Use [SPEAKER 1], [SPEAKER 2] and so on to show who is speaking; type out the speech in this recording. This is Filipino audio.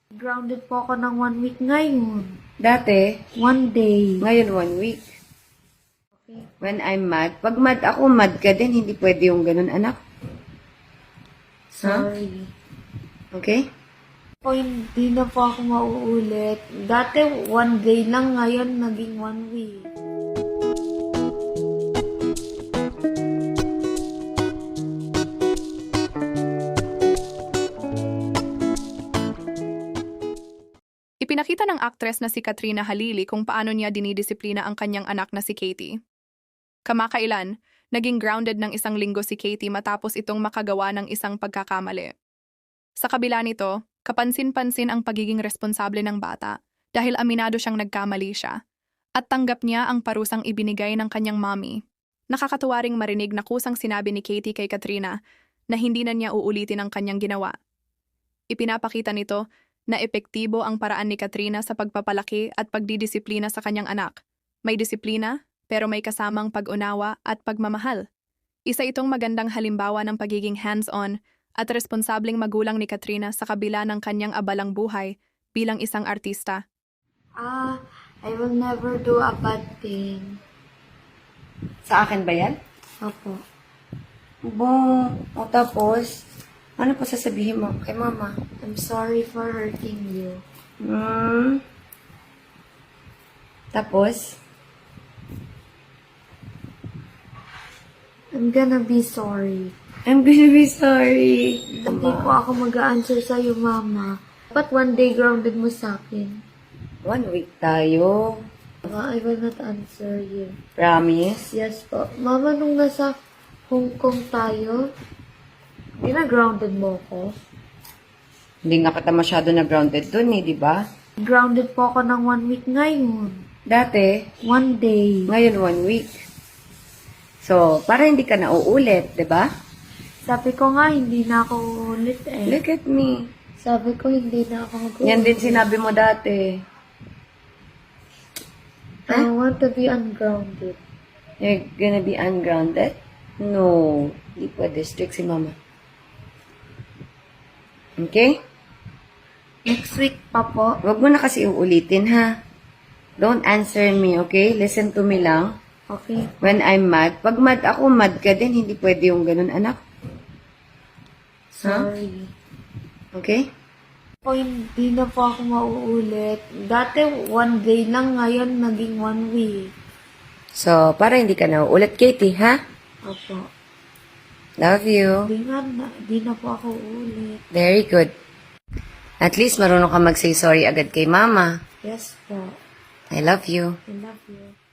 [SPEAKER 1] Grounded po ako ng 1 week ngayon.
[SPEAKER 2] Dati,
[SPEAKER 1] 1 day.
[SPEAKER 2] ngayon 1 week. When I'm mad, pag mad ako, mad ka din. Hindi pwede yung ganun, anak.
[SPEAKER 1] Sorry.
[SPEAKER 2] Okay?
[SPEAKER 1] Po, hindi na po ako mauulit. Dati 1 day lang, ngayon naging 1 week.
[SPEAKER 3] Ipinakita ng aktres na si Katrina Halili kung paano niya dinidisiplina ang kanyang anak na si Katie. Kamakailan, naging grounded ng 1 linggo si Katie matapos itong makagawa ng isang pagkakamali. Sa kabila nito, kapansin-pansin ang pagiging responsable ng bata dahil aminado siyang nagkamali siya at tanggap niya ang parusang ibinigay ng kanyang mommy. Nakakatuwa ring marinig na kusang sinabi ni Katie kay Katrina na hindi na niya uulitin ang kanyang ginawa. Ipinapakita nito na epektibo ang paraan ni Katrina sa pagpapalaki at pagdidisiplina sa kanyang anak. May disiplina, pero may kasamang pag-unawa at pagmamahal. Isa itong magandang halimbawa ng pagiging hands-on at responsableng magulang ni Katrina sa kabila ng kanyang abalang buhay bilang isang artista.
[SPEAKER 1] I will never do a bad thing.
[SPEAKER 2] Sa akin ba yan?
[SPEAKER 1] Opo.
[SPEAKER 2] O tapos, ano pa sasabihin mo kay mama?
[SPEAKER 1] I'm sorry for hurting you.
[SPEAKER 2] Tapos,
[SPEAKER 1] I'm gonna be sorry.
[SPEAKER 2] I'm gonna be sorry.
[SPEAKER 1] Hindi po ako mag-a-answer sa'yo, Mama. Ba't 1 day grounded mo sa akin?
[SPEAKER 2] 1 week tayo.
[SPEAKER 1] Mama, I will not answer you.
[SPEAKER 2] Promise?
[SPEAKER 1] Yes po. Mama, nung nasa Hong Kong tayo, grounded mo ko.
[SPEAKER 2] Hindi nga kita masyado na grounded dun di ba?
[SPEAKER 1] Grounded po ako ng 1 week ngayon.
[SPEAKER 2] Dati,
[SPEAKER 1] 1 day.
[SPEAKER 2] ngayon 1 week. So, para hindi ka na uulit, di ba?
[SPEAKER 1] Sabi ko nga, hindi na ako ulit eh.
[SPEAKER 2] Look at me.
[SPEAKER 1] Sabi ko, hindi na ako mag-ulit.
[SPEAKER 2] Yan din sinabi mo dati.
[SPEAKER 1] I want to be ungrounded.
[SPEAKER 2] You're gonna be ungrounded? No. Hindi pwede. Strict si mama. Okay?
[SPEAKER 1] Next week pa po.
[SPEAKER 2] Huwag mo na kasi uulitin, ha? Don't answer me, okay? Listen to me lang.
[SPEAKER 1] Okay.
[SPEAKER 2] When I'm mad, pag mad ako, mad ka din. Hindi pwede yung ganun, anak.
[SPEAKER 1] Sorry.
[SPEAKER 2] Okay?
[SPEAKER 1] Po, hindi na po ako mauulit. Dati 1 day lang, ngayon naging 1 week.
[SPEAKER 2] So, para hindi ka na uulit, Katie, ha?
[SPEAKER 1] Opo.
[SPEAKER 2] Love you.
[SPEAKER 1] Di na po ako uulit.
[SPEAKER 2] Very good. At least marunong ka mag-say sorry agad kay mama.
[SPEAKER 1] Yes po.
[SPEAKER 2] I love you.
[SPEAKER 1] I love you.